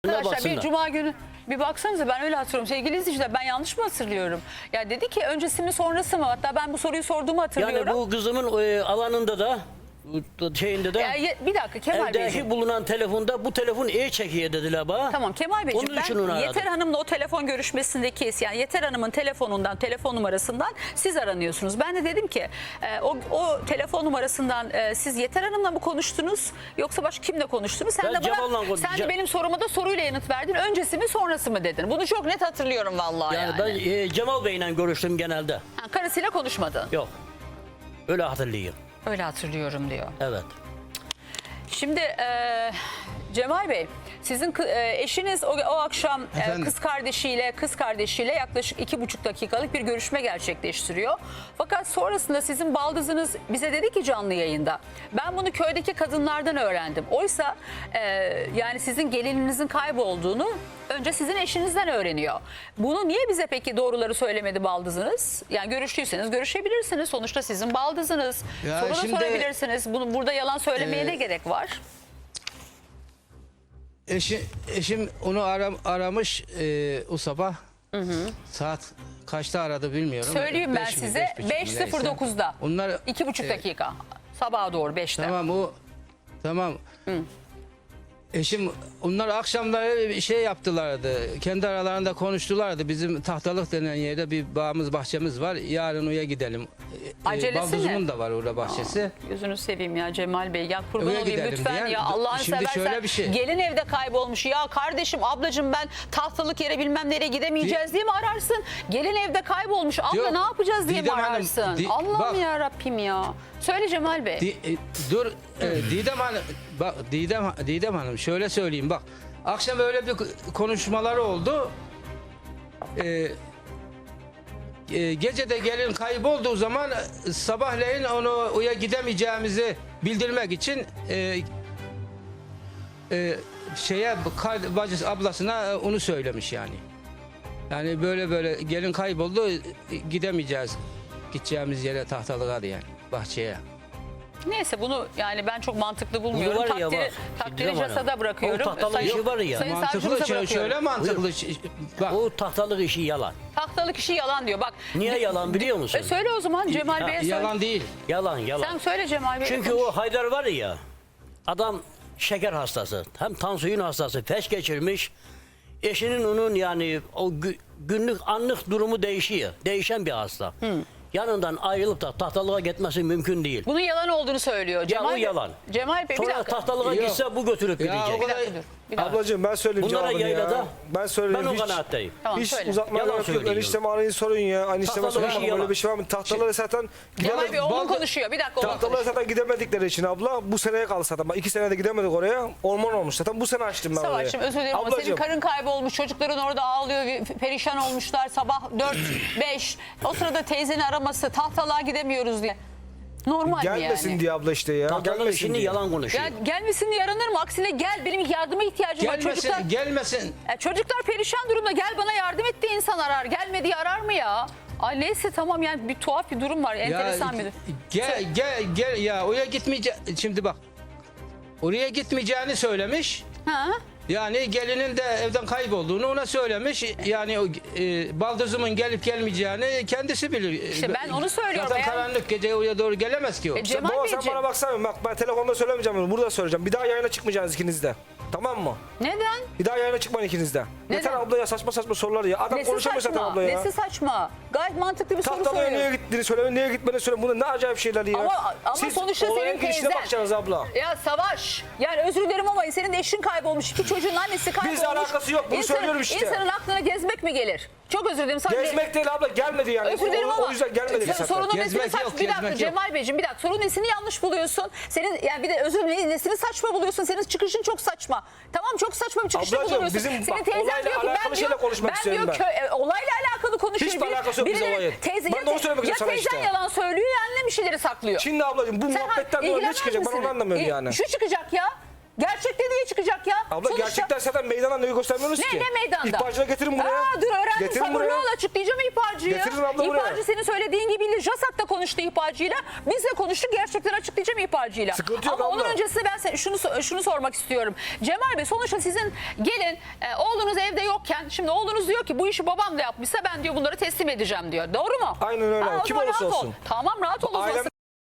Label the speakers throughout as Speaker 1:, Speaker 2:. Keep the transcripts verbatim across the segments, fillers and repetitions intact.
Speaker 1: Arkadaşlar bir cuma günü bir baksanıza, ben öyle hatırlıyorum. Sevgili izleyiciler, ben yanlış mı hatırlıyorum? Ya dedi ki öncesi mi sonrası mı? Hatta ben bu soruyu sorduğumu hatırlıyorum.
Speaker 2: Yani bu kızımın e, alanında da şeyinde de
Speaker 1: Ya, ya, bir dakika Kemal
Speaker 2: evdeki
Speaker 1: Beyciğim.
Speaker 2: bulunan telefonda bu telefon iyi çekiyor dediler bana.
Speaker 1: Tamam Kemal Beyciğim,
Speaker 2: Onun için onu
Speaker 1: ben
Speaker 2: aradım.
Speaker 1: Yeter Hanım'la o telefon görüşmesindeki, yani Yeter Hanım'ın telefonundan, telefon numarasından siz aranıyorsunuz. Ben de dedim ki e, o, o telefon numarasından e, siz Yeter Hanım'la mı konuştunuz yoksa başka kimle konuştunuz? Sen
Speaker 2: Ben
Speaker 1: de
Speaker 2: Cemal'la
Speaker 1: bana,
Speaker 2: konuştum.
Speaker 1: sen de benim soruma da soruyla yanıt verdin. Öncesi mi sonrası mı dedin. Bunu çok net hatırlıyorum vallahi yani.
Speaker 2: Yani ben e, Cemal Bey'le görüştüm genelde.
Speaker 1: Ha, karısıyla konuşmadın.
Speaker 2: Yok. Öyle hatırlıyorum.
Speaker 1: Öyle hatırlıyorum diyor.
Speaker 2: Evet.
Speaker 1: Şimdi e, Cemal Bey, sizin kı- e, eşiniz o, o akşam e,
Speaker 3: Efendim?
Speaker 1: kız kardeşiyle kız kardeşiyle yaklaşık iki buçuk dakikalık bir görüşme gerçekleştiriyor. Fakat sonrasında sizin baldızınız bize dedi ki canlı yayında, ben bunu köydeki kadınlardan öğrendim. Oysa e, yani sizin gelininizin kaybolduğunu önce sizin eşinizden öğreniyor. Bunu niye bize peki doğruları söylemedi baldızınız? Yani görüştüyseniz görüşebilirsiniz. Sonuçta sizin baldızınız.
Speaker 3: Ya
Speaker 1: Soru da
Speaker 3: şimdi-
Speaker 1: sorabilirsiniz. Bunu burada yalan söylemeye
Speaker 3: Ee,
Speaker 1: ne gerek var?
Speaker 3: Eşi, eşim onu aram, aramış e, o sabah. Saat kaçta aradı bilmiyorum.
Speaker 1: Söyleyeyim ben
Speaker 3: Beş mi,
Speaker 1: size
Speaker 3: beş buçuk mu,
Speaker 1: beş sıfır
Speaker 3: neyse.
Speaker 1: dokuzda.
Speaker 3: Onlar
Speaker 1: iki buçuk
Speaker 3: e,
Speaker 1: dakika. Sabaha doğru beşte.
Speaker 3: Tamam o tamam. Eşim onlar akşamları bir şey yaptılardı. Kendi aralarında konuştulardı. Bizim Tahtalık denen yerde bir bağımız, bahçemiz var. Yarın oraya gidelim. E,
Speaker 1: Acelesi
Speaker 3: Baldızımın
Speaker 1: ne?
Speaker 3: da var orada bahçesi.
Speaker 1: Gözünü seveyim ya Cemal Bey. Ya kurban
Speaker 3: Öyle
Speaker 1: olayım
Speaker 3: gidelim
Speaker 1: lütfen
Speaker 3: diyen-
Speaker 1: ya. Allah'ını
Speaker 3: Şimdi
Speaker 1: seversen.
Speaker 3: şöyle bir şey.
Speaker 1: Gelin evde kaybolmuş. Ya kardeşim, ablacığım, ben tahtalık yere bilmem nereye gidemeyeceğiz diye mi ararsın? Gelin evde kaybolmuş. Abla
Speaker 3: Yok,
Speaker 1: ne yapacağız diye
Speaker 3: Didem
Speaker 1: mi
Speaker 3: Hanım,
Speaker 1: ararsın?
Speaker 3: Di-
Speaker 1: Allah'ım
Speaker 3: bak.
Speaker 1: ya Rabbim ya. Söyle Cemal Bey.
Speaker 3: Di- e, dur e, Didem Hanım bak Didem Didem Hanım şöyle söyleyeyim bak. Akşam öyle bir konuşmaları oldu. E, e, gece de gelin kaybolduğu zaman e, sabahleyin onu oraya gidemeyeceğimizi bildirmek için e, e, şeye kar- bacısı ablasına e, onu söylemiş yani. Yani böyle böyle gelin kayboldu, e, gidemeyeceğiz. Gideceğimiz yere Tahtalık'a yani bahçeye.
Speaker 1: Neyse, bunu yani ben çok mantıklı bulmuyorum.
Speaker 2: var ya,
Speaker 1: Takdiri,
Speaker 2: bak,
Speaker 1: takdiri
Speaker 2: Didem Hanım,
Speaker 1: casada bırakıyorum.
Speaker 2: o tahtalı
Speaker 1: Sayın-
Speaker 2: işi var ya.
Speaker 1: Sayın
Speaker 3: Mantıklı
Speaker 1: savcımıza
Speaker 3: şöyle,
Speaker 1: bırakıyorum.
Speaker 3: şöyle mantıklı. Bak.
Speaker 2: O tahtalık işi yalan.
Speaker 1: Tahtalık işi yalan diyor. Bak.
Speaker 2: Niye yalan biliyor musun?
Speaker 1: E söyle o zaman Cemal
Speaker 2: Ya,
Speaker 1: Bey'e söyle.
Speaker 3: Yalan değil.
Speaker 2: Yalan yalan.
Speaker 1: Sen söyle Cemal Bey'e.
Speaker 2: Çünkü
Speaker 1: konuş.
Speaker 2: o Haydar var ya, adam şeker hastası, hem tansiyon hastası, felç geçirmiş. Eşinin onun yani o gü- günlük anlık durumu değişiyor. Değişen bir hasta. Yanından ayrılıp da tahtalığa gitmesi mümkün değil.
Speaker 1: Bunun yalan olduğunu söylüyor. Cemal
Speaker 2: o
Speaker 1: Bey-
Speaker 2: yalan.
Speaker 1: Cemal Bey bir
Speaker 2: Sonra
Speaker 1: dakika.
Speaker 2: tahtalığa
Speaker 3: Yok.
Speaker 2: gitse bu götürüp
Speaker 3: Ya,
Speaker 2: gidecek.
Speaker 3: o kadar-
Speaker 1: Bir dakika dur. Bir dakika.
Speaker 4: Ablacığım ben söyleyeyim
Speaker 2: Bunlara
Speaker 4: cevabını
Speaker 2: yaylada,
Speaker 4: ya. Ben söyleyeyim
Speaker 2: ben o
Speaker 4: hiç,
Speaker 2: kanaatteyim.
Speaker 1: Tamam,
Speaker 4: hiç
Speaker 1: söyle.
Speaker 4: uzatmaya
Speaker 2: Yalan
Speaker 4: gerek yok.
Speaker 2: söylüyor.
Speaker 4: Enişteme arayın sorun ya. Enişteme
Speaker 2: Tahtalı
Speaker 4: sorun
Speaker 2: işi
Speaker 4: ama
Speaker 2: yalan.
Speaker 4: böyle bir şey var mı? Tahtalara zaten
Speaker 1: Cemal Bey
Speaker 4: gidemedik.
Speaker 1: oğlum
Speaker 4: Baldı-
Speaker 1: konuşuyor. Bir dakika oğlum
Speaker 4: Tahtalara
Speaker 1: konuşuyor.
Speaker 4: zaten gidemedikleri için abla bu seneye kaldı zaten. Bak iki senede gidemedik oraya. Orman olmuş zaten. Bu sene açtım ben orayı.
Speaker 1: Savaş'ım özür dilerim ama senin
Speaker 4: Ablacığım,
Speaker 1: karın kaybolmuş. Çocukların orada ağlıyor. Perişan olmuşlar. Sabah dört beş. O sırada teyzeni araması. Tahtalığa gidemiyoruz diye. Normal mi
Speaker 4: gelmesin
Speaker 1: yani?
Speaker 4: diye abla işte ya.
Speaker 2: Tahtalık
Speaker 4: Gelmesin
Speaker 2: işini
Speaker 4: diye.
Speaker 2: yalan konuşuyor.
Speaker 1: Ya gelmesin diye aranır mı? Aksine gel, benim yardıma ihtiyacım var.
Speaker 3: Gelmesin,
Speaker 1: Çocuklar,
Speaker 3: gelmesin.
Speaker 1: ya çocuklar perişan durumda, gel bana yardım et diye insan arar. Gelme diye arar mı ya? Ay neyse tamam, yani bir tuhaf bir durum var. Enteresan bir durum.
Speaker 3: Gel gel gel ya oraya gitmeyece şimdi bak. Oraya gitmeyeceğini söylemiş.
Speaker 1: Ha?
Speaker 3: Yani gelinin de evden kaybolduğunu ona söylemiş. Yani o e, baldızımın gelip gelmeyeceğini kendisi bilir.
Speaker 1: İşte ben onu söylüyorum.
Speaker 3: Zaten
Speaker 1: Eğer-
Speaker 3: karanlık gece oraya doğru gelemez ki o.
Speaker 1: E, Cemal
Speaker 4: Baba sen
Speaker 1: Beyciğim.
Speaker 4: bana baksana, bak ben telefonda söylemeyeceğim bunu, burada söyleyeceğim. Bir daha yayına çıkmayacaksınız ikiniz de. Tamam mı?
Speaker 1: Neden?
Speaker 4: Bir daha yayına çıkmayın ikiniz de. Yeter abla ya, saçma saçma sorular ya. Adam
Speaker 1: Nesi
Speaker 4: konuşamıyor zaten
Speaker 1: saçma?
Speaker 4: abla ya.
Speaker 1: Nesi saçma? Gayet mantıklı bir soru
Speaker 4: Tahtalıya
Speaker 1: soruyor.
Speaker 4: niye gittiğini söyle, niye gitmediğini söyle. Bunlar ne acayip şeyler ya.
Speaker 1: Ama, ama
Speaker 4: Siz
Speaker 1: sonuçta
Speaker 4: olayın
Speaker 1: senin
Speaker 4: girişine
Speaker 1: teyzen.
Speaker 4: bakacaksınız abla.
Speaker 1: Ya Savaş, yani özür dilerim ama senin de eşin kaybolmuş. İki çocuğun annesi kaybolmuş.
Speaker 4: Bizle alakası yok, bunu
Speaker 1: İnsanın-
Speaker 4: söylüyorum işte.
Speaker 1: İnsanın aklına gezmek mi gelir? Çok özür dilerim. Sadece-
Speaker 4: Gezmek değil abla, gelmedi yani.
Speaker 1: Özür dilerim
Speaker 4: o,
Speaker 1: ama
Speaker 4: o yüzden gelmedi
Speaker 1: sen
Speaker 4: zaten.
Speaker 1: sorunun nesini
Speaker 3: Gezmek
Speaker 1: saçma.
Speaker 3: yok,
Speaker 1: Bir dakika
Speaker 3: gezmek yok.
Speaker 1: Cemal Beyciğim, bir dakika. Sorunun nesini yanlış buluyorsun? Senin yani bir de özür dilerim, nesini saçma buluyorsun? Senin çıkışın çok saçma. Tamam, çok saçma bir çıkışta
Speaker 4: Ablacığım,
Speaker 1: buluyorsun.
Speaker 4: bizim
Speaker 1: Senin
Speaker 4: bak,
Speaker 1: teyzen
Speaker 4: olayla
Speaker 1: diyor ki ben
Speaker 4: alakalı
Speaker 1: diyor,
Speaker 4: şeyle konuşmak
Speaker 1: ben
Speaker 4: istiyorum
Speaker 1: diyor
Speaker 4: ben.
Speaker 1: kö- e, olayla alakalı konuşuyor.
Speaker 4: Hiçbir
Speaker 1: Biri-
Speaker 4: alakası yok bizim
Speaker 1: birileri-
Speaker 4: olayın.
Speaker 1: Teyze,
Speaker 4: Ben
Speaker 1: ya,
Speaker 4: de onu
Speaker 1: te-
Speaker 4: söylemek
Speaker 1: ya
Speaker 4: istiyorum sana
Speaker 1: teyzen
Speaker 4: işte.
Speaker 1: yalan söylüyor ya annem bir şeyleri saklıyor.
Speaker 4: Şimdi ablacığım bu
Speaker 1: Sen
Speaker 4: muhabbetten
Speaker 1: ha-
Speaker 4: dolayı ne
Speaker 1: ilgilenmez
Speaker 4: çıkacak ben
Speaker 1: misin?
Speaker 4: onu anlamıyorum
Speaker 1: İ-
Speaker 4: yani.
Speaker 1: Şu çıkacak ya. Gerçek dediği çıkacak ya.
Speaker 4: Abla
Speaker 1: Sonuçta-
Speaker 4: gerçekten zaten meydana neyi göstermiyorsunuz
Speaker 1: Ne,
Speaker 4: ki?
Speaker 1: ne meydanda?
Speaker 4: İhbarcıya getirin buraya.
Speaker 1: Aa, dur öğrendim,
Speaker 4: Getirin
Speaker 1: sabırlı
Speaker 4: buraya.
Speaker 1: ol, açıklayacağım ihbarcıyı.
Speaker 4: Getirin abla buraya.
Speaker 1: İhbarcı senin söylediğin gibi değil. JASAK'ta konuştu ihbarcıyla. Biz de konuştuk, gerçekleri açıklayacağım ihbarcıyla.
Speaker 4: Sıkıntı yok
Speaker 1: Ama onun
Speaker 4: abla.
Speaker 1: öncesinde ben se- şunu şunu sormak istiyorum. Cemal Bey, sonuçta sizin gelin e, oğlunuz evde yokken, şimdi oğlunuz diyor ki bu işi babam da yapmışsa ben diyor bunları teslim edeceğim diyor. Doğru mu?
Speaker 4: Aynen öyle.
Speaker 1: Ha, o
Speaker 4: Kim
Speaker 1: zaman
Speaker 4: olursa
Speaker 1: rahat ol.
Speaker 4: olsun.
Speaker 1: Tamam, rahat ol o zaman.
Speaker 4: Ailem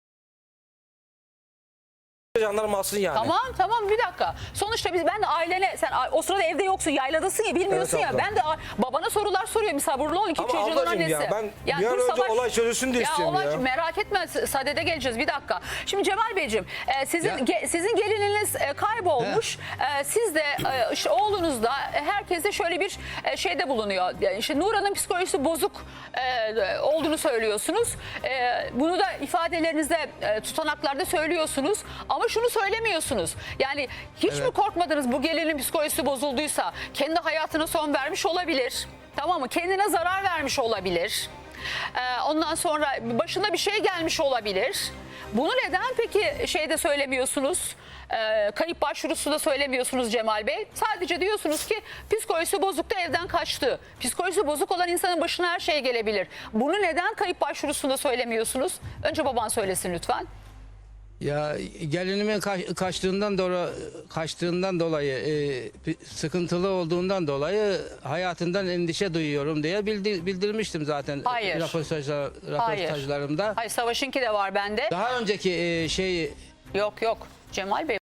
Speaker 4: jandarma alsın yani.
Speaker 1: Tamam tamam bir dakika. Sonuçta biz ben de ailene sen o sırada evde yoksun, yayladasın ya, bilmiyorsun
Speaker 4: Evet
Speaker 1: ya.
Speaker 4: abla.
Speaker 1: Ben de a- babana sorular soruyorum. Sabırlı ol, iki
Speaker 4: Ama
Speaker 1: çocuğun
Speaker 4: ablacığım
Speaker 1: annesi.
Speaker 4: ya, ben bir an
Speaker 1: dur
Speaker 4: önce
Speaker 1: Savaş-
Speaker 4: olay çözülsün diye
Speaker 1: ya
Speaker 4: istiyorum
Speaker 1: olay,
Speaker 4: ya.
Speaker 1: Merak etme, sadede geleceğiz bir dakika. Şimdi Cemal Beyciğim e, sizin
Speaker 3: Ya.
Speaker 1: ge- sizin gelininiz e, kaybolmuş. E, siz de e, işte oğlunuz da e, herkese şöyle bir e, şeyde bulunuyor. Yani işte Nurhan'ın psikolojisi bozuk e, olduğunu söylüyorsunuz. E, bunu da ifadelerinizde e, tutanaklarda söylüyorsunuz. Ama şunu söylemiyorsunuz. Yani hiç mi korkmadınız, bu gelinin psikolojisi bozulduysa kendi hayatına son vermiş olabilir. Tamam mı? Kendine zarar vermiş olabilir. Ee, ondan sonra başına bir şey gelmiş olabilir. Bunu neden peki şeyde söylemiyorsunuz? Ee, kayıp başvurusu da söylemiyorsunuz Cemal Bey. Sadece diyorsunuz ki psikolojisi bozuk da evden kaçtı. Psikolojisi bozuk olan insanın başına her şey gelebilir. Bunu neden kayıp başvurusunda söylemiyorsunuz? Önce baban söylesin lütfen.
Speaker 3: Ya gelinimin kaç- kaçtığından dolayı kaçtığından dolayı e, bir sıkıntılı olduğundan dolayı hayatından endişe duyuyorum diye bildi- bildirmiştim zaten
Speaker 1: Hayır.
Speaker 3: röportajlar,
Speaker 1: Hayır.
Speaker 3: röportajlarımda.
Speaker 1: Hayır, Savaş'ınki de var bende.
Speaker 3: Daha önceki e, şey
Speaker 1: Yok yok Cemal Bey.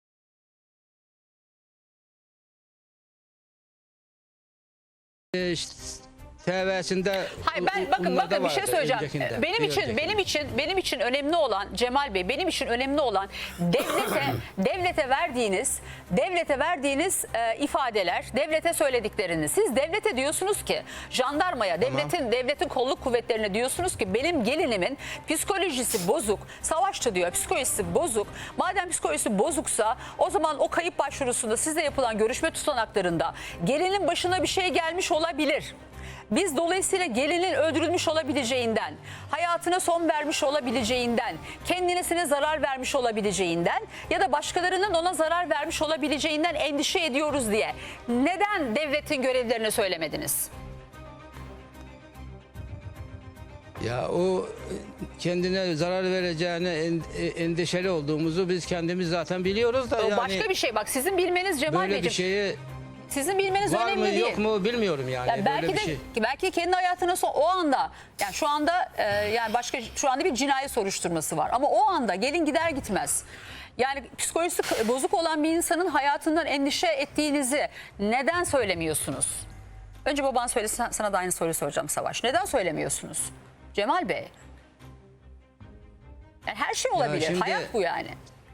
Speaker 3: e, işte T V'sinde
Speaker 1: Hayır ben bakın bakın bir şey söyleyeceğim.
Speaker 3: Öncekinde,
Speaker 1: Benim
Speaker 3: bir
Speaker 1: için
Speaker 3: öncekinde.
Speaker 1: benim için benim için önemli olan Cemal Bey, benim için önemli olan devlete devlete verdiğiniz devlete verdiğiniz e, ifadeler, devlete söyledikleriniz. Siz devlete diyorsunuz ki, jandarmaya, devletin devletin kolluk kuvvetlerine diyorsunuz ki benim gelinimin psikolojisi bozuk. Savaşçı diyor, psikolojisi bozuk. Madem psikolojisi bozuksa o zaman o kayıp başvurusunda sizle yapılan görüşme tutanaklarında gelinin başına bir şey gelmiş olabilir. Biz dolayısıyla gelinin öldürülmüş olabileceğinden, hayatına son vermiş olabileceğinden, kendisine zarar vermiş olabileceğinden ya da başkalarının ona zarar vermiş olabileceğinden endişe ediyoruz diye neden devletin görevlilerine söylemediniz?
Speaker 3: Ya o kendine zarar vereceğine en- e, endişeli olduğumuzu biz kendimiz zaten biliyoruz da
Speaker 1: O
Speaker 3: yani
Speaker 1: başka bir şey, bak sizin bilmeniz Cemal
Speaker 3: böyle bir
Speaker 1: Beyciğim,
Speaker 3: şeyi
Speaker 1: sizin bilmeniz
Speaker 3: var
Speaker 1: önemli
Speaker 3: mı
Speaker 1: değil.
Speaker 3: yok mu bilmiyorum yani.
Speaker 1: Yani belki
Speaker 3: böyle bir
Speaker 1: de
Speaker 3: şey.
Speaker 1: belki kendi hayatına son, o anda yani şu anda e, yani başka şu anda bir cinayet soruşturması var ama o anda gelin gider gitmez. Yani psikolojisi k- bozuk olan bir insanın hayatından endişe ettiğinizi neden söylemiyorsunuz? Önce baban söylesin, sana da aynı soruyu soracağım Savaş. Neden söylemiyorsunuz? Cemal Bey. Yani her şey olabilir.
Speaker 3: şimdi-
Speaker 1: Hayat bu yani.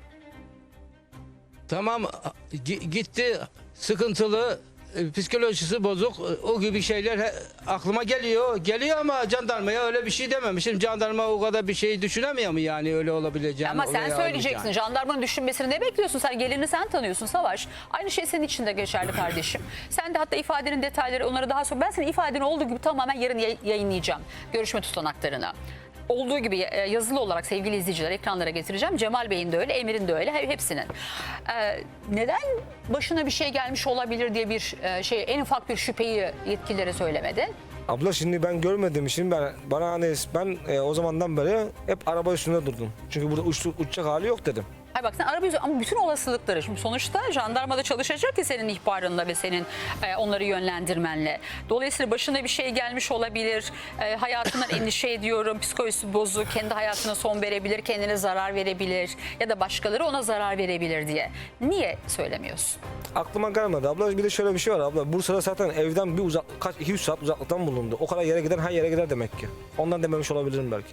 Speaker 3: Tamam gi- gitti sıkıntılı e, psikolojisi bozuk e, o gibi şeyler he- aklıma geliyor. Geliyor ama jandarmaya öyle bir şey dememişim. Jandarma o kadar bir şey düşünemiyor mu yani öyle olabileceğini?
Speaker 1: Ama sen
Speaker 3: oraya
Speaker 1: söyleyeceksin.
Speaker 3: almayacağını?
Speaker 1: Jandarmanın düşünmesini ne bekliyorsun? Sen gelini sen tanıyorsun Savaş. Aynı şey senin için de geçerli kardeşim. Sen de hatta ifadenin detayları onları daha sonra. Ben senin ifadeni olduğu gibi tamamen yarın yay- yayınlayacağım. Görüşme tutanaklarını. Olduğu gibi e, yazılı olarak sevgili izleyiciler ekranlara getireceğim. Cemal Bey'in de öyle, Emir'in de öyle, he- hepsinin. Ee, neden başına bir şey gelmiş olabilir diye bir e, şey, en ufak bir şüpheyi yetkililere söylemedin?
Speaker 4: Abla şimdi ben görmedim için ben bana hani ben e, o zamandan beri hep araba üstünde durdum. Çünkü burada uç, uçacak hali yok dedim.
Speaker 1: Hayır bak sen araba yüzü ama bütün olasılıkları şimdi sonuçta jandarmada çalışacak ki senin ihbarınla ve senin e, onları yönlendirmenle. Dolayısıyla başına bir şey gelmiş olabilir. E, hayatından endişe ediyorum. Psikolojisi bozuk. Kendi hayatına son verebilir. Kendine zarar verebilir. Ya da başkaları ona zarar verebilir diye. Niye söylemiyorsun?
Speaker 4: Aklıma gelmedi abla. Bir de şöyle bir şey var abla. Bursa'da zaten evden bir uzak kaç iki üç saat uzaklıktan bulundu. O kadar yere giden her yere gider demek ki. Ondan dememiş olabilirim belki.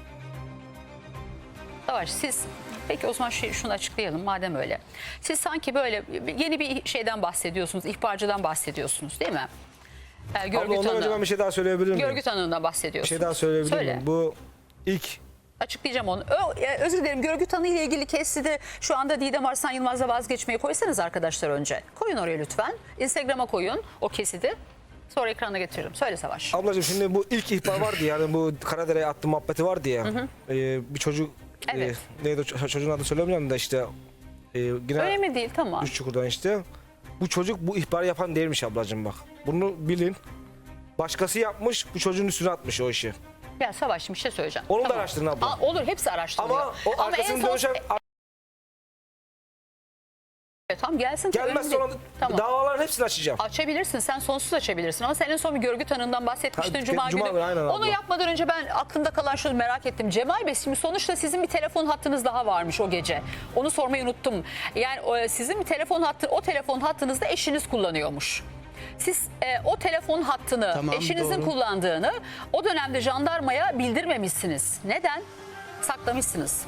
Speaker 1: Savaş siz peki o zaman şey, şunu açıklayalım madem öyle. Siz sanki böyle yeni bir şeyden bahsediyorsunuz. İhbarcıdan bahsediyorsunuz değil mi? E,
Speaker 4: Abla
Speaker 1: görgü
Speaker 4: ondan önce
Speaker 1: tanığı.
Speaker 4: ben bir şey daha söyleyebilir miyim?
Speaker 1: Görgü tanığından
Speaker 4: Bir
Speaker 1: bahsediyorsunuz.
Speaker 4: şey daha söyleyebilir
Speaker 1: Söyle.
Speaker 4: miyim? Bu ilk
Speaker 1: Açıklayacağım onu. Ö, e, özür dilerim, görgü tanığı ile ilgili kesidi şu anda Didem Arslan Yılmaz'la vazgeçmeyi koysanız arkadaşlar önce. Koyun oraya lütfen. Instagram'a koyun o kesidi. Sonra ekrana getiririm. Söyle Savaş.
Speaker 4: ablacığım şimdi bu ilk ihbar vardı yani bu Karadere'ye attı muhabbeti vardı ya. Ee, bir çocuk
Speaker 1: Evet.
Speaker 4: e, neydi o ço- çocuğun adını söylemiyorum da işte Ee, yine
Speaker 1: Önemli değil, tamam.
Speaker 4: Üç çukurdan işte. Bu çocuk bu ihbarı yapan değilmiş ablacığım bak. Bunu bilin. Başkası yapmış, bu çocuğun üstüne atmış o işi.
Speaker 1: Ya Savaş, şimdi bir şey söyleyeceğim.
Speaker 4: Onu da araştırın abla.
Speaker 1: Aa, olur, hepsi araştırılıyor.
Speaker 4: Ama o
Speaker 1: en
Speaker 4: arkasını
Speaker 1: son-
Speaker 4: dönüşen
Speaker 1: Evet, tamam gelsin. tabii,
Speaker 4: gelmez
Speaker 1: önemli
Speaker 4: sonra
Speaker 1: değil. Tamam.
Speaker 4: davaların hepsini açacağım.
Speaker 1: Açabilirsin, sen sonsuz açabilirsin ama sen en son bir görgü tanığından bahsetmiştin
Speaker 4: Ha,
Speaker 1: Cuma,
Speaker 4: Cuma
Speaker 1: günü.
Speaker 4: günü, aynen
Speaker 1: Onu
Speaker 4: abla.
Speaker 1: yapmadan önce ben aklımda kalan şunu merak ettim. Cemal Bey, şimdi sonuçta sizin bir telefon hattınız daha varmış o gece. Onu sormayı unuttum. Yani o, sizin bir telefon hattı, o telefon hattınızda eşiniz kullanıyormuş. Siz e, o telefon hattını
Speaker 3: Tamam,
Speaker 1: eşinizin
Speaker 3: doğru.
Speaker 1: kullandığını o dönemde jandarmaya bildirmemişsiniz. Neden? Saklamışsınız.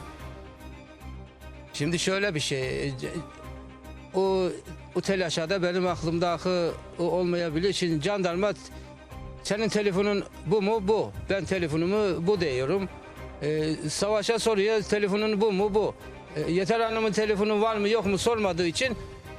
Speaker 3: Şimdi şöyle bir şey. O, o telaşada benim aklımdaki o olmayabilir. Şimdi jandarma senin telefonun bu mu? Bu. Ben telefonumu bu diyorum. Ee, Savaş'a soruyor telefonun bu mu? Bu. Ee, Yeter Hanım'ın telefonu var mı yok mu sormadığı için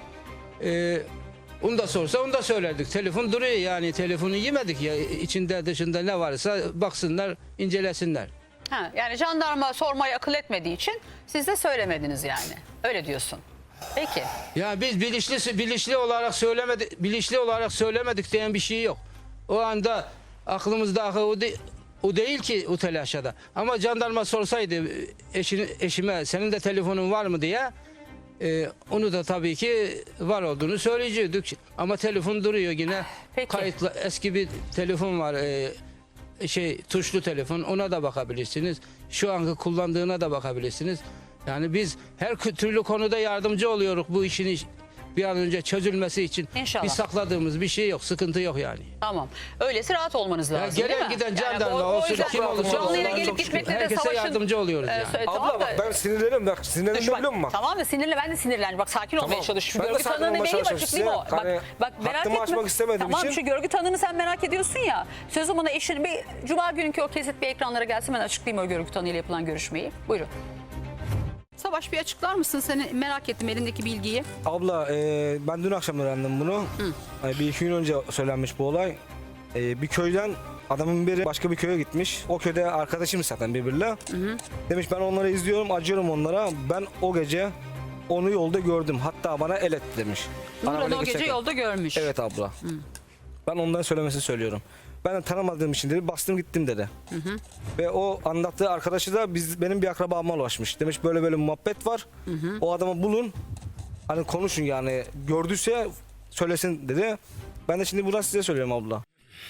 Speaker 3: e, onu da sorsa onu da söylerdik. Telefon duruyor yani telefonu yemedik ya. İçinde dışında ne varsa baksınlar incelesinler.
Speaker 1: Ha, yani jandarma sormayı akıl etmediği için siz de söylemediniz yani. Öyle diyorsun. Peki.
Speaker 3: Ya biz bilinçli bilinçli olarak söylemedik, bilinçli olarak söylemedik diyen bir şey yok. O anda aklımızda o, de, o değil ki o telaşada. Ama jandarma sorsaydı eşini, eşime senin de telefonun var mı diye e, onu da tabii ki var olduğunu söyleyecektik. Ama telefon duruyor yine.
Speaker 1: Peki.
Speaker 3: Kayıtlı eski bir telefon var. E, şey tuşlu telefon, ona da bakabilirsiniz. Şu anki kullandığına da bakabilirsiniz. Yani biz her türlü konuda yardımcı oluyoruz bu işin bir an önce çözülmesi için.
Speaker 1: İnşallah.
Speaker 3: Bir sakladığımız bir şey yok, sıkıntı yok yani.
Speaker 1: Tamam. Öylesi rahat olmanız lazım, değil
Speaker 3: gelen
Speaker 1: mi?
Speaker 3: giden
Speaker 1: Yani
Speaker 3: jandarma
Speaker 1: o- o
Speaker 3: olsun,
Speaker 1: yüzden
Speaker 3: kim olursa
Speaker 1: canlıyla
Speaker 3: olsun,
Speaker 1: gelip
Speaker 3: çok şükür.
Speaker 1: gitmekle de
Speaker 3: Herkese
Speaker 1: savaşın...
Speaker 3: yardımcı oluyoruz
Speaker 1: Ee,
Speaker 3: yani.
Speaker 1: sö-
Speaker 4: Abla
Speaker 1: tamam da-
Speaker 4: bak ben sinirlenirim bak sinirlendim
Speaker 1: Bak,
Speaker 4: biliyor musun bak.
Speaker 1: Tamam da sinirli, ben de sinirlendim. Bak sakin olmaya
Speaker 4: Tamam.
Speaker 1: çalış. Şu
Speaker 4: Ben de
Speaker 1: görgü
Speaker 4: sakin
Speaker 1: tanığını
Speaker 4: olmaya
Speaker 1: neyim
Speaker 4: çalışıyorum
Speaker 1: açıklayayım o.
Speaker 4: size.
Speaker 1: Bak,
Speaker 4: Hani
Speaker 1: bak merak
Speaker 4: hattımı
Speaker 1: etme.
Speaker 4: açmak istemediğim
Speaker 1: tamam,
Speaker 4: için-
Speaker 1: şu görgü tanığını sen merak ediyorsun ya. Sözüm ona eşini bir Cuma günkü o kesit bir ekranlara gelsin, ben açıklayayım o görgü tanığıyla yapılan görüşmeyi. Buyurun. Savaş, bir açıklar mısın? Seni merak ettim, elindeki bilgiyi.
Speaker 4: Abla e, ben dün akşam öğrendim bunu. E, bir iki gün önce söylenmiş bu olay. E, bir köyden adamın biri başka bir köye gitmiş. O köyde arkadaşım zaten birbiriyle. Demiş ben onları izliyorum, acıyorum onlara. Ben o gece onu yolda gördüm. Hatta bana el etti demiş.
Speaker 1: Nurhan
Speaker 4: Arabayla
Speaker 1: o gece
Speaker 4: geçerken.
Speaker 1: yolda görmüş.
Speaker 4: Evet abla. Ben ondan söylemesini söylüyorum. Ben de tanımadığım için dedi bastım gittim dedi. Ve o anlattığı arkadaşı da biz benim bir akrabama ulaşmış. Demiş böyle böyle bir muhabbet var. O adamı bulun. Hani konuşun yani gördüyse söylesin dedi. Ben de şimdi buradan size söylüyorum abla.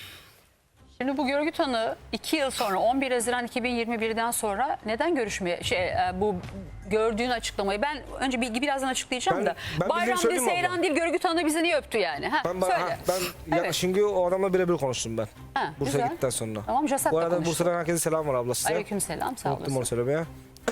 Speaker 1: Şimdi bu görgü tanığı iki yıl sonra, on bir Haziran iki bin yirmi bir'den sonra neden görüşmeye şey e, bu gördüğün açıklamayı, ben önce bilgi birazdan açıklayacağım
Speaker 4: Ben-
Speaker 1: da
Speaker 4: ben
Speaker 1: Bayram
Speaker 4: bildiğini
Speaker 1: değil,
Speaker 4: söyleyeyim mi
Speaker 1: Seyran
Speaker 4: abla?
Speaker 1: değil, görgü tanığı bizi niye öptü yani? Ha,
Speaker 4: Ben, ben,
Speaker 1: söyle.
Speaker 4: ha, ben ya,
Speaker 1: Evet.
Speaker 4: şimdi o adamla birebir konuştum ben.
Speaker 1: Ha,
Speaker 4: Bursa'ya
Speaker 1: güzel.
Speaker 4: gittikten sonra.
Speaker 1: Tamam, Jasat'la
Speaker 4: Bu arada
Speaker 1: konuştun.
Speaker 4: Bursa'dan herkese selam var abla size.
Speaker 1: Aleykümselam, sağ
Speaker 4: Unuttum onu
Speaker 1: olasın.
Speaker 4: söylemeye.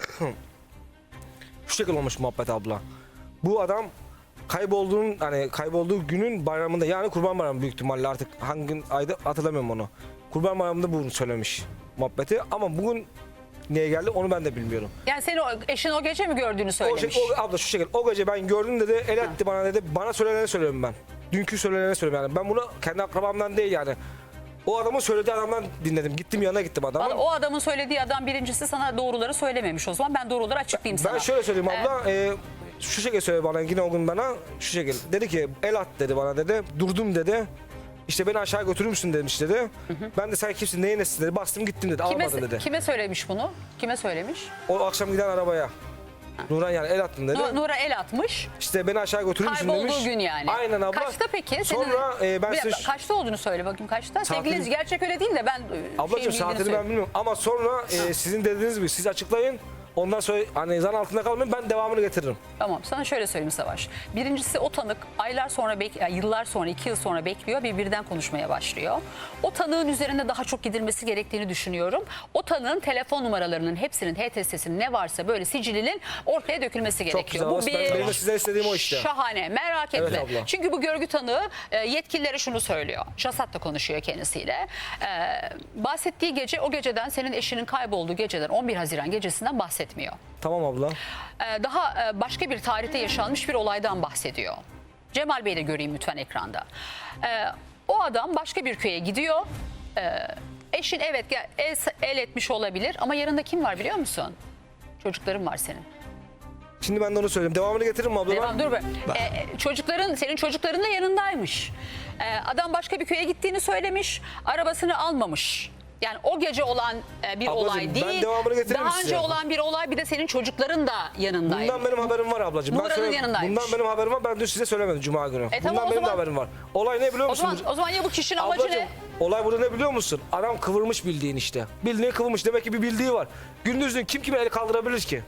Speaker 4: Şu şekilde olmuş muhabbet abla. Bu adam kaybolduğun hani kaybolduğu günün bayramında yani Kurban Bayramı büyük ihtimalle artık hangi gün ayda hatırlamıyorum onu. Kurban Bayramı'nda bunu söylemiş muhabbeti ama bugün niye geldi onu ben de bilmiyorum.
Speaker 1: Yani seni o, eşin o gece mi gördüğünü
Speaker 4: O,
Speaker 1: söylemiş?
Speaker 4: şey, o abla şu şekilde o gece ben gördüm dedi el etti bana dedi bana söyleneni söylüyorum ben. Dünkü söyleneni söylüyorum yani ben bunu kendi akrabamdan değil yani. O adamın söylediği adamdan dinledim. Gittim yanına gittim adamın.
Speaker 1: Vallahi o adamın söylediği adam birincisi sana doğruları söylememiş o zaman. Ben doğruları açıklayayım sana.
Speaker 4: Ben şöyle söyleyeyim abla. e, şu şekilde söyledi bana yine o gün bana. Şu şekilde. Dedi ki el at dedi bana dedi. Durdum dedi. İşte beni aşağı götürür müsün demiş dedi. Ben de sen kimsin neyin nesin dedi. Bastım gittim dedi.
Speaker 1: Kime,
Speaker 4: Almadı dedi.
Speaker 1: kime söylemiş bunu? Kime söylemiş?
Speaker 4: O akşam giden arabaya. Nurhan yani el attım dedi.
Speaker 1: Nu- Nur'a el atmış.
Speaker 4: İşte beni aşağı götürür müsün demiş.
Speaker 1: Kaybolduğu gün yani.
Speaker 4: Aynen abla.
Speaker 1: Kaçta peki? Senin,
Speaker 4: Sonra e, ben
Speaker 1: Bir dakika,
Speaker 4: size...
Speaker 1: kaçta olduğunu söyle bakayım, kaçta?
Speaker 4: Saatini-
Speaker 1: Sevgili izleyici, gerçek öyle değil de ben e,
Speaker 4: Ablacığım
Speaker 1: şeyin bildiğini
Speaker 4: saatini ben
Speaker 1: söyleyeyim.
Speaker 4: bilmiyorum. Ama sonra e, sizin dediğiniz gibi siz açıklayın. Ondan sonra hani zan altında kalmayın ben devamını getiririm.
Speaker 1: Tamam, sana şöyle söyleyeyim Savaş. Birincisi o tanık aylar sonra, bek- yani yıllar sonra, iki yıl sonra bekliyor ve birden konuşmaya başlıyor. O tanığın üzerinde daha çok gidilmesi gerektiğini düşünüyorum. O tanığın telefon numaralarının hepsinin, H T S'sinin ne varsa böyle sicilinin ortaya dökülmesi gerekiyor.
Speaker 4: güzel. Ben- benim de sizden istediğim o işte.
Speaker 1: Şahane, merak etme.
Speaker 4: Evet abla.
Speaker 1: Çünkü bu görgü tanığı e, yetkililere şunu söylüyor. Jasat da konuşuyor kendisiyle. E, bahsettiği gece, o geceden, senin eşinin kaybolduğu geceden, on bir Haziran gecesinden bahsetmiyor.
Speaker 4: Tamam abla.
Speaker 1: Ee, daha e, başka bir tarihte yaşanmış bir olaydan bahsediyor. Cemal Bey'i de göreyim lütfen ekranda. Ee, o adam başka bir köye gidiyor. Ee, eşin evet gel- el, el etmiş olabilir ama yanında kim var biliyor musun? Çocukların var senin.
Speaker 4: Şimdi ben de onu söyleyeyim. Devamını getiririm mi abla?
Speaker 1: Devam dur be. Ee, çocukların, senin çocukların da yanındaymış. Ee, adam başka bir köye gittiğini söylemiş. Arabasını almamış. Yani o gece olan e, bir
Speaker 4: Ablacığım,
Speaker 1: olay
Speaker 4: ben
Speaker 1: değil.
Speaker 4: devamını getiririm
Speaker 1: Daha
Speaker 4: size.
Speaker 1: önce olan bir olay, bir de senin çocukların da yanındaymış.
Speaker 4: Bundan benim haberim var ablacığım. Ben
Speaker 1: Nuran'ın
Speaker 4: söyle-
Speaker 1: yanındaymış.
Speaker 4: Bundan benim haberim var. Ben dün size söylemedim Cuma günü.
Speaker 1: E tamam,
Speaker 4: Bundan
Speaker 1: o
Speaker 4: benim de
Speaker 1: zaman-
Speaker 4: haberim var. Olay ne biliyor
Speaker 1: O
Speaker 4: musun?
Speaker 1: zaman, o zaman ya bu kişinin amacı
Speaker 4: Ablacığım,
Speaker 1: ne?
Speaker 4: olay burada ne biliyor musun? Adam kıvırmış bildiğin işte. Bildiğini kıvırmış. Demek ki bir bildiği var. Gündüzün kim kime el kaldırabilir ki?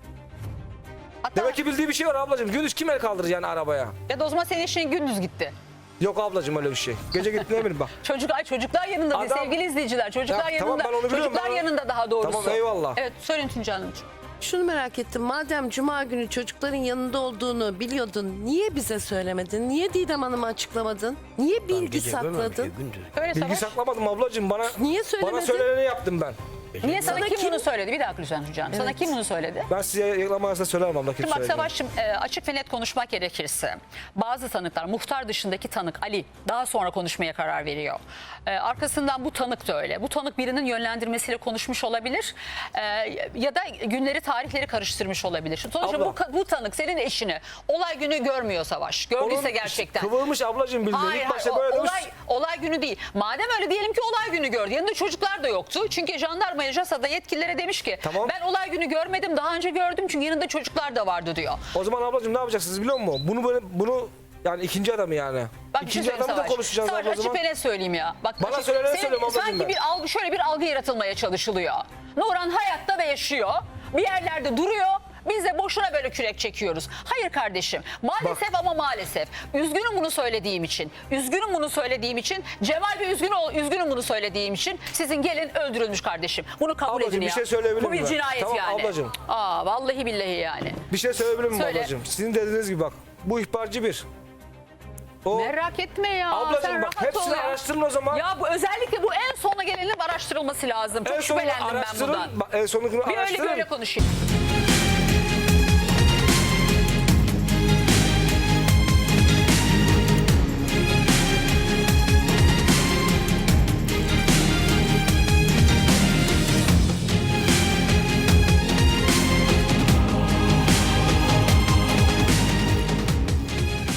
Speaker 1: Hatta,
Speaker 4: Demek ki bildiği bir şey var ablacığım. Gündüz kim el kaldırır yani arabaya?
Speaker 1: ya da o zaman senin eşin gündüz gitti.
Speaker 4: Yok ablacığım öyle bir şey. Gece gitti ne bileyim bak.
Speaker 1: Çocuk, ay çocuklar yanında değil
Speaker 4: Adam-
Speaker 1: sevgili izleyiciler. Çocuklar
Speaker 4: Ya, tamam,
Speaker 1: yanında.
Speaker 4: ben onu biliyorum,
Speaker 1: Çocuklar
Speaker 4: ben onu-
Speaker 1: yanında daha doğrusu.
Speaker 4: Tamam, eyvallah.
Speaker 1: Evet söyleyin Tuncay Hanımcığım.
Speaker 5: Şunu merak ettim. Madem Cuma günü çocukların yanında olduğunu biliyordun, niye bize söylemedin? Niye Didem Hanım'a açıklamadın? Niye bilgi
Speaker 2: Gece görmemiş ya,
Speaker 5: sakladın?
Speaker 2: gündüz.
Speaker 1: Söyle
Speaker 4: Bilgi
Speaker 1: Savaş.
Speaker 4: saklamadım ablacığım. Bana,
Speaker 5: Niye
Speaker 4: bana
Speaker 5: söylemedin?
Speaker 4: söyleneni yaptım ben.
Speaker 1: Niye sana,
Speaker 5: Sana
Speaker 1: kim,
Speaker 5: kim-
Speaker 1: bunu söyledi? Bir dakika lütfen Tuncay Hanım. Sana
Speaker 5: Evet.
Speaker 1: kim bunu söyledi?
Speaker 4: Ben size reklam arasında söylerim abla. Kim
Speaker 1: Şimdi bak
Speaker 4: söylediğini.
Speaker 1: Savaş'cığım e, açık ve net konuşmak gerekirse bazı tanıklar, muhtar dışındaki tanık Ali daha sonra konuşmaya karar veriyor. E, arkasından bu tanık da öyle. Bu tanık birinin yönlendirmesiyle konuşmuş olabilir e, ya da günleri tarihleri karıştırmış olabilir. Sonuçta
Speaker 4: Abla.
Speaker 1: bu, ka- bu tanık senin eşini olay günü görmüyor Savaş. Gördüyse
Speaker 4: Onun
Speaker 1: gerçekten.
Speaker 4: Kıvırmış ablacığım bildiğin.
Speaker 1: Hayır,
Speaker 4: İlk başta
Speaker 1: hayır,
Speaker 4: böyle
Speaker 1: o-
Speaker 4: demiş.
Speaker 1: olay, olay günü değil. Madem öyle diyelim ki olay günü gördü. Yanında çocuklar da yoktu. Çünkü jandarmaya, JASA'da yetkililere demiş ki
Speaker 4: Tamam.
Speaker 1: ben olay günü görmedim, daha önce gördüm çünkü yanında çocuklar da vardı diyor.
Speaker 4: O zaman ablacığım ne yapacaksınız biliyor musun? Bunu böyle bunu yani ikinci adamı yani.
Speaker 1: Bak bir şey
Speaker 4: ikinci
Speaker 1: söyleyeyim
Speaker 4: adamı da
Speaker 1: Savaş.
Speaker 4: konuşacağız
Speaker 1: Savaş
Speaker 4: abla o
Speaker 1: açık
Speaker 4: zaman.
Speaker 1: ve net söyleyeyim ya. Bak,
Speaker 4: Bana
Speaker 1: açık-
Speaker 4: söylenen
Speaker 1: senin-
Speaker 4: söylüyorum ablacığım
Speaker 1: Sanki
Speaker 4: ben.
Speaker 1: bir algı, şöyle bir algı yaratılmaya çalışılıyor. Nuran hayatta ve yaşıyor. Bir yerlerde duruyor. Biz de boşuna böyle kürek çekiyoruz. Hayır kardeşim. Maalesef ama maalesef. Üzgünüm bunu söylediğim için. Üzgünüm bunu söylediğim için. Cemal Bey üzgün ol, üzgünüm bunu söylediğim için. Sizin gelin öldürülmüş kardeşim. Bunu kabul
Speaker 4: Ablacığım,
Speaker 1: edin
Speaker 4: bir
Speaker 1: ya.
Speaker 4: şey söyleyebilir
Speaker 1: Bu bir
Speaker 4: miyim ben?
Speaker 1: cinayet
Speaker 4: Tamam,
Speaker 1: yani.
Speaker 4: ablacığım.
Speaker 1: Aa vallahi billahi yani.
Speaker 4: Bir şey söyleyebilir miyim
Speaker 1: Söyle.
Speaker 4: ablacığım? Sizin dediğiniz gibi bak. Bu ihbarcı bir. O
Speaker 1: Merak etme ya.
Speaker 4: Ablacığım
Speaker 1: sen
Speaker 4: bak,
Speaker 1: rahat ol
Speaker 4: hepsini
Speaker 1: ya.
Speaker 4: araştırın o zaman.
Speaker 1: Ya bu özellikle bu en sona gelenin araştırılması lazım. Çok
Speaker 4: en sonunu
Speaker 1: şüphelendim ben
Speaker 4: araştırın.
Speaker 1: bundan.
Speaker 4: Bak, en sonunu
Speaker 1: Bir öyle
Speaker 4: araştırın.
Speaker 1: böyle konuşayım.